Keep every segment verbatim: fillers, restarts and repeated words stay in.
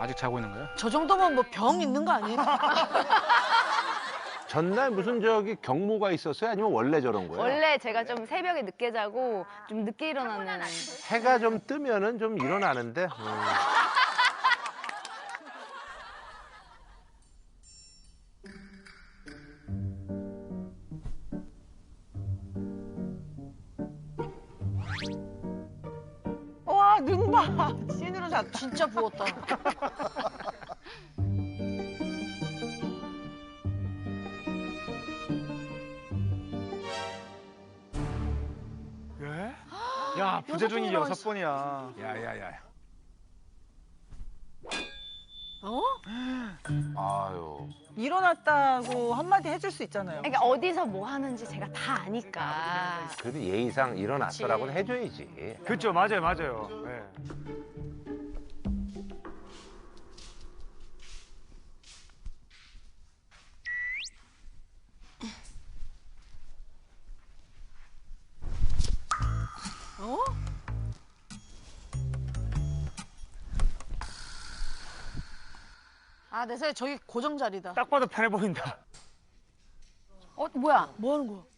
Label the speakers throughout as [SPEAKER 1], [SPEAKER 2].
[SPEAKER 1] 아직 자고 있는 거예요?
[SPEAKER 2] 저 정도면 뭐 병 있는 거 아니에요?
[SPEAKER 3] 전날 무슨 저기 경무가 있었어요? 아니면 원래 저런 거예요?
[SPEAKER 4] 원래 제가 좀 새벽에 늦게 자고 좀 늦게 일어나는.
[SPEAKER 3] 해가 좀 뜨면은 좀 일어나는데. 음.
[SPEAKER 2] 와, 눈 봐. 찐으로 잤다. 진짜 부었다.
[SPEAKER 1] 예? 야, 부재중이
[SPEAKER 2] 번이나
[SPEAKER 1] 여섯
[SPEAKER 2] 있어.
[SPEAKER 1] 번이야.
[SPEAKER 3] 야야야.
[SPEAKER 2] 어?
[SPEAKER 3] 아유.
[SPEAKER 2] 일어났다고 한마디 해줄 수 있잖아요.
[SPEAKER 4] 그러니까 어디서 뭐 하는지 제가 다 아니까.
[SPEAKER 3] 그래도 예의상 일어났더라고는 해줘야지.
[SPEAKER 1] 그렇죠, 맞아요, 맞아요. 예.
[SPEAKER 2] 어? 아, 내 생각에 저기 고정 자리다.
[SPEAKER 1] 딱 봐도 편해 보인다.
[SPEAKER 4] 어 뭐야?
[SPEAKER 2] 뭐 하는 거야?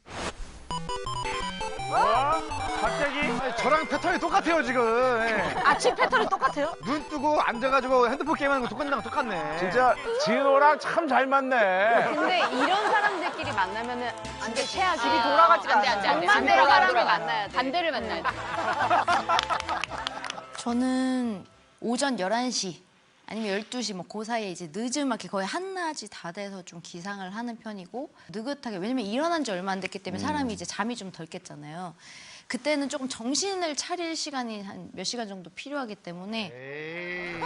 [SPEAKER 1] 와, 갑자기?
[SPEAKER 5] 아니, 저랑 패턴이 똑같아요 지금. 예.
[SPEAKER 2] 아침 패턴이 똑같아요?
[SPEAKER 5] 눈 뜨고 앉아가지고 핸드폰 게임하는 거 똑같은 거랑 똑같네.
[SPEAKER 3] 진짜 진호랑 참 잘 맞네.
[SPEAKER 4] 근데 이런 사람들끼리 만나면은 완전 최악이야.
[SPEAKER 2] 집이 돌아가지가
[SPEAKER 4] 안 돼,
[SPEAKER 2] 않아.
[SPEAKER 4] 안 돼, 안 돼.
[SPEAKER 2] 정반대로
[SPEAKER 4] 반대로 사람을
[SPEAKER 2] 돌아가.
[SPEAKER 4] 만나야 돼. 반대를 만나야 돼.
[SPEAKER 6] 저는 오전 열한 시 아니면 열두 시 뭐 그 사이에 이제 늦음하게 거의 한낮이 다 돼서 좀 기상을 하는 편이고 느긋하게 왜냐면 일어난 지 얼마 안 됐기 때문에 사람이 이제 잠이 좀 덜 깼잖아요. 그때는 조금 정신을 차릴 시간이 한 몇 시간 정도 필요하기 때문에
[SPEAKER 5] 에이.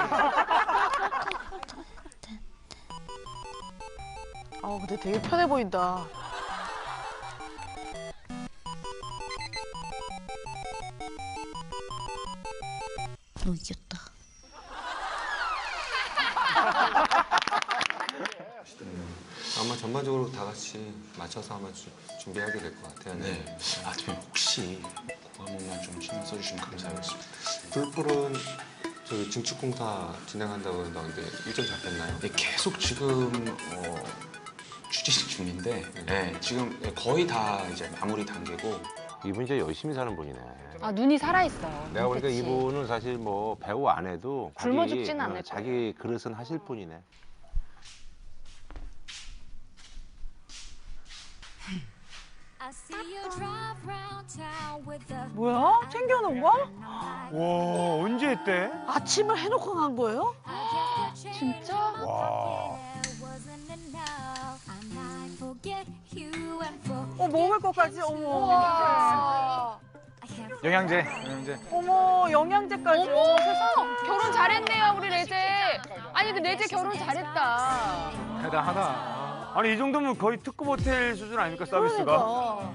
[SPEAKER 2] 아, 근데 되게 편해 보인다.
[SPEAKER 6] 너 이겼다.
[SPEAKER 7] 아마 전반적으로 다 같이 맞춰서 아마 주, 준비하게 될 것 같아요.
[SPEAKER 8] 네. 아, 대표님 혹시 그거 한 번만 좀 신경 써주시면 감사하겠습니다.
[SPEAKER 7] 불풀은 저기 증축 공사 진행한다고 그러는데 일정 잡혔나요?
[SPEAKER 8] 네, 계속 지금 어, 추진 중인데 네, 지금 거의 다 이제 마무리 단계고.
[SPEAKER 3] 이분 진짜 열심히 사는 분이네.
[SPEAKER 4] 아 눈이 살아 있어.
[SPEAKER 3] 내가 보니까
[SPEAKER 4] 그치.
[SPEAKER 3] 이분은 사실 뭐 배우 안 해도
[SPEAKER 4] 굶어
[SPEAKER 3] 자기,
[SPEAKER 4] 죽진
[SPEAKER 3] 어,
[SPEAKER 4] 않을
[SPEAKER 3] 자기 그릇은 하실 분이네.
[SPEAKER 2] 뭐야? 챙겨놓은 거야?
[SPEAKER 1] 와, 언제 했대?
[SPEAKER 2] 아침을 해놓고 간 거예요?
[SPEAKER 4] 진짜?
[SPEAKER 1] 와.
[SPEAKER 2] 어, 먹을 것까지? 어머.
[SPEAKER 4] 와.
[SPEAKER 1] 영양제, 영양제.
[SPEAKER 2] 어머, 영양제까지.
[SPEAKER 4] 어머 세상. 결혼 잘했네요 우리 레제. 아니 그 레제 결혼 잘했다.
[SPEAKER 1] 대단하다. 아니 이 정도면 거의 특급 호텔 수준 아닙니까 서비스가?
[SPEAKER 2] 그러니까.